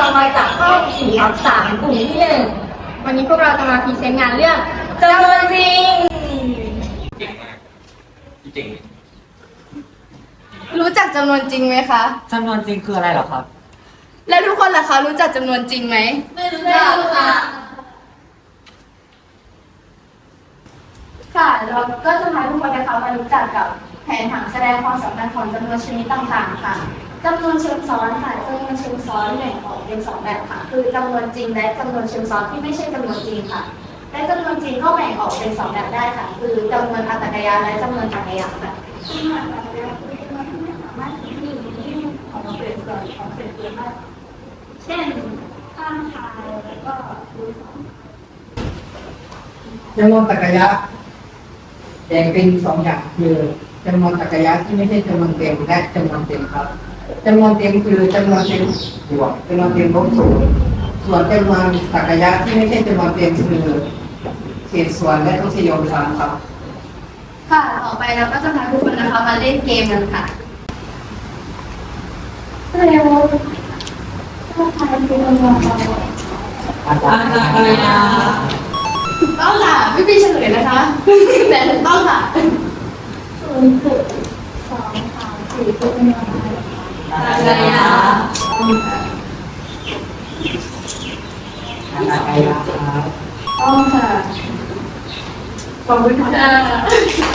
มาจากห้อง4/3กลุ่มที่1วันนี้พวกเราจะมาพรีเซนต์งานเรื่องจำนวนจริงเก่งมากพี่เก่งรู้จักจำนวนจริงไหมคะจำนวนจริงคืออะไรเหรอครับแล้วทุกคนล่ะคะรู้จักจำนวนจริงไหมไม่รู้จักค่ะค่ะเราก็จะพาทุกคนนะคะมารู้จักกับแผนผังแสดงความสัมพันธ์ของจำนวนชนิดต่างๆค่ะจำนวนเชิงซ้อนค่ะจำนวนเชิงซ้อนแบ่งออกเป็น2แบบค่ะคือจำนวนจริงและจำนวนเชิงซ้อนที่ไม่ใช่จำนวนจริงค่ะและจำนวนจริงก็แบ่งออกเป็น2แบบได้ค่ะคือจำนวนอัตกยาและจำนวนจักรยานค่ะจำนวนอัตกยาคือจำนวนที่ไม่สามารถที่จะมีของเศษส่วนของเศษส่วนได้เช่นข้างชายแล้วก็รูท2 จำนวนตรรกะยะแบ่งเป็น2อย่างคือจำนวนตรรกะยะที่ไม่ใช่จำนวนเต็มและจำนวนเต็มครับจำนวนเต็มคือจำนวนเต็มบวกจำนวนเต็มลบ0ส่วนจำนวนตรรกะยะที่ไม่ใช่จำนวนเต็มคือเศษส่วนและทศนิยม3ครับค่ะต่อไปเราก็จะพาทุกคนนะคะมาเล่นเกมกันค่ะเร็วถ้าใครเป็นคนมองเราอะไรนะถูกต้องค่ะไม่มีเฉลยนะคะแต่ถูกต้องค่ะ0.234เป็นอะไรอะไรนะอะไรนะครับต้องค่ะขอบคุณค่ะ